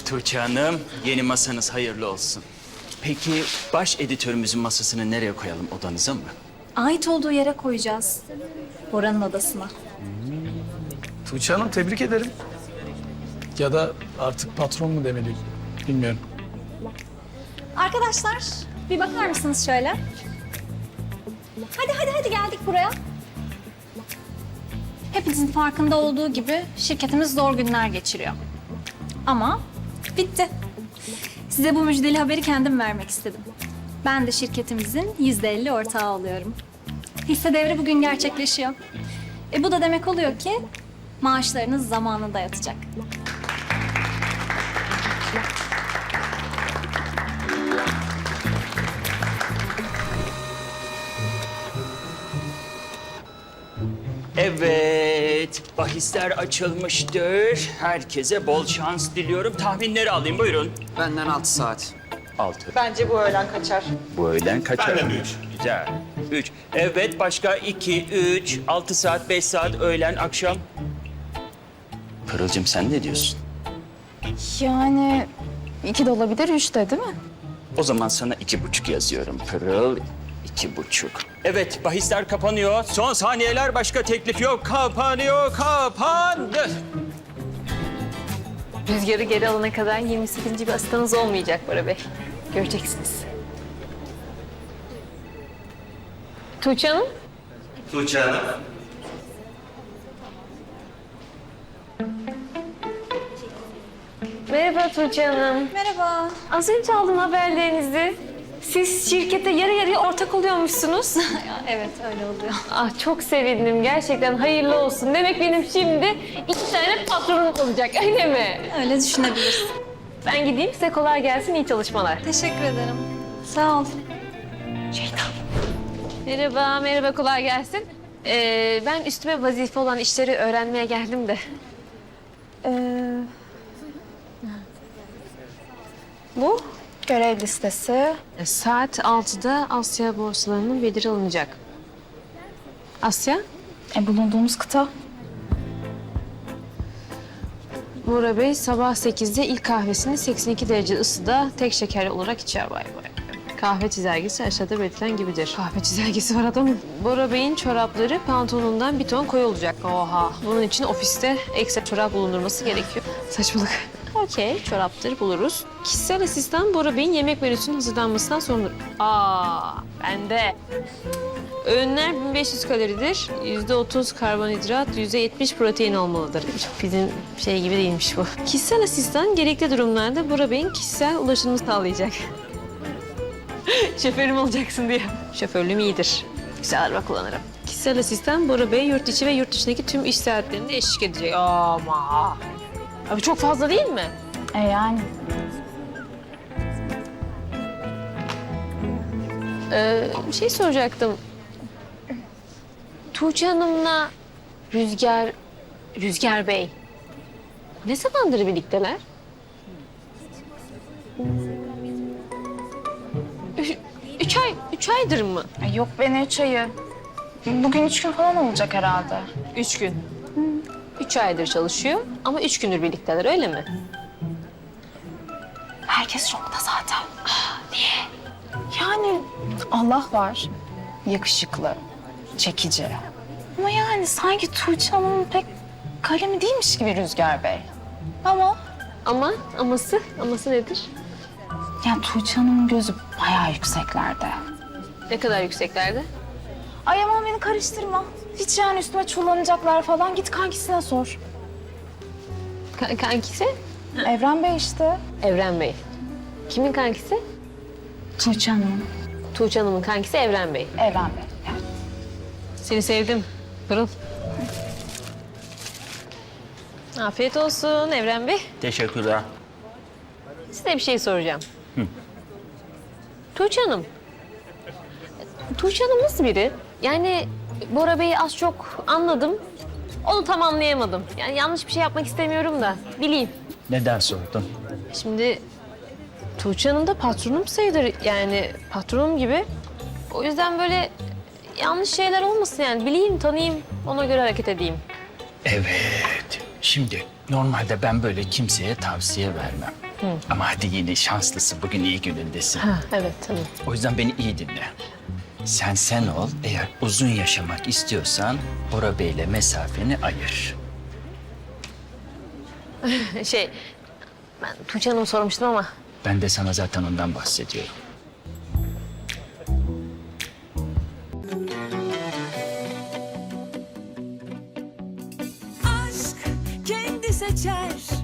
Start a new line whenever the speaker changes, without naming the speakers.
Tuğçe Hanım, yeni masanız hayırlı olsun. Peki baş editörümüzün masasını nereye koyalım, odanıza mı?
Ait olduğu yere koyacağız. Bora'nın odasına.
Tuğçe Hanım tebrik ederim. Ya da artık patron mu demeliyim bilmiyorum.
Arkadaşlar bir bakar mısınız şöyle? Hadi geldik buraya. Hepinizin farkında olduğu gibi şirketimiz zor günler geçiriyor. Ama bitti. Size bu müjdeli haberi kendim vermek istedim. Ben de şirketimizin %50 ortağı oluyorum. Hisse devri bugün gerçekleşiyor. Bu da demek oluyor ki maaşlarınız zamanında yatacak.
Evet, bahisler açılmıştır. Herkese bol şans diliyorum. Tahminleri alayım, buyurun.
Benden 6 saat.
6.
Bence bu öğlen kaçar.
Bu öğlen kaçar?
Benden 3.
Güzel. 3. Evet, başka 2, 3, 6 saat, 5 saat, öğlen, akşam. Pırıl'cığım sen ne diyorsun?
Yani 2 de olabilir, 3 de değil mi?
O zaman sana 2,5 yazıyorum Pırıl. 2,5. Evet, bahisler kapanıyor. Son saniyeler, başka teklif yok. Kapanıyor, kapandı.
Rüzgarı geri alana kadar 28. bir asistanınız olmayacak Bora Bey. Göreceksiniz. Tuğçe Hanım.
Tuğçe Hanım.
Merhaba Tuğçe Hanım.
Merhaba.
Az önce aldım haberlerinizi. Siz şirkete yarı yarıya ortak oluyormuşsunuz.
Evet öyle oluyor.
Ah çok sevindim. Gerçekten hayırlı olsun. Demek benim şimdi 2 tane patronum olacak öyle mi?
Öyle düşünebilirsin.
Ben gideyim size kolay gelsin. İyi çalışmalar.
Teşekkür ederim. Sağ ol.
Merhaba kolay gelsin. Ben üstüme vazife olan işleri öğrenmeye geldim de. Bu?
Görev listesi.
Saat 6'da Asya borsalarının bildiri alınacak. Asya,
Bulunduğumuz kıta.
Bora Bey sabah 8'de ilk kahvesini 82 derece ısıda tek şekerli olarak içer. Vay vay. Kahve çizelgesi aşağıda belirtilen gibidir. Kahve çizelgesi var adamın. Bora Bey'in çorapları pantolonundan bir ton koyu olacak. Oha. Bunun için ofiste ekstra çorap bulundurması gerekiyor. Saçmalık. Okey, çoraptır buluruz. Kişisel asistan Bora Bey'in yemek menüsünün hazırlanmasından sorumludur. Bende. Öğünler 1500 kaloridir. %30 karbonhidrat, %70 protein olmalıdır. Bizim şey gibi değilmiş bu. Kişisel asistan gerekli durumlarda Bora Bey'in kişisel ulaşımını sağlayacak. Şoförüm olacaksın diye. Şoförlüğüm iyidir. Güzel araba kullanırım. Kişisel asistan Bora Bey yurt içi ve yurt dışındaki tüm iş saatlerinde eşlik edecek. Ama. Abi çok fazla değil mi?
Yani.
Bir şey soracaktım. Tuğçe Hanım'la Rüzgar Bey ne zamandır birlikteler? Üç aydır mı?
Yok be ne 3 ayı. Bugün 3 gün falan olacak herhalde.
3 gün. 3 aydır çalışıyor ama 3 gündür birlikteler öyle mi?
Herkes şokta zaten. Niye? Yani Allah var. Yakışıklı, çekici. Ama yani sanki Tuğçe Hanım'ın pek kalemi değilmiş gibi Rüzgar Bey.
Aması nedir?
Yani Tuğçe Hanım'ın gözü bayağı yükseklerde.
Ne kadar yükseklerde?
Ay aman beni karıştırma. Hiç yani üstüme çullanacaklar falan. Git kankisine sor.
Kankisi?
Evren Bey işte.
Evren Bey. Kimin kankisi?
Tuğçe Hanım.
Tuğçe Hanım'ın kankisi Evren Bey.
Evren Bey. Evet.
Seni sevdim. Pırıl. Afiyet olsun Evren Bey.
Teşekkürler.
Size bir şey soracağım. Tuğçe Hanım. Tuğçe Hanım nasıl biri? Yani Bora Bey'i az çok anladım. Onu tam anlayamadım. Yani yanlış bir şey yapmak istemiyorum da bileyim.
Neden sordun?
Şimdi Tuğçe Hanım da patronum sayılır. Yani patronum gibi. O yüzden böyle yanlış şeyler olmasın yani. Bileyim, tanıyayım, ona göre hareket edeyim.
Evet. Şimdi normalde ben böyle kimseye tavsiye vermem. Ama hadi yine şanslısın. Bugün iyi günündesin.
Ha, evet tamam.
O yüzden beni iyi dinle. Sen ol. Eğer uzun yaşamak istiyorsan Bora Bey'le mesafeni ayır.
Ben Tuğçe Hanım'ı sormuştum ama
Ben de sana zaten ondan bahsediyorum.
aşk kendi seçer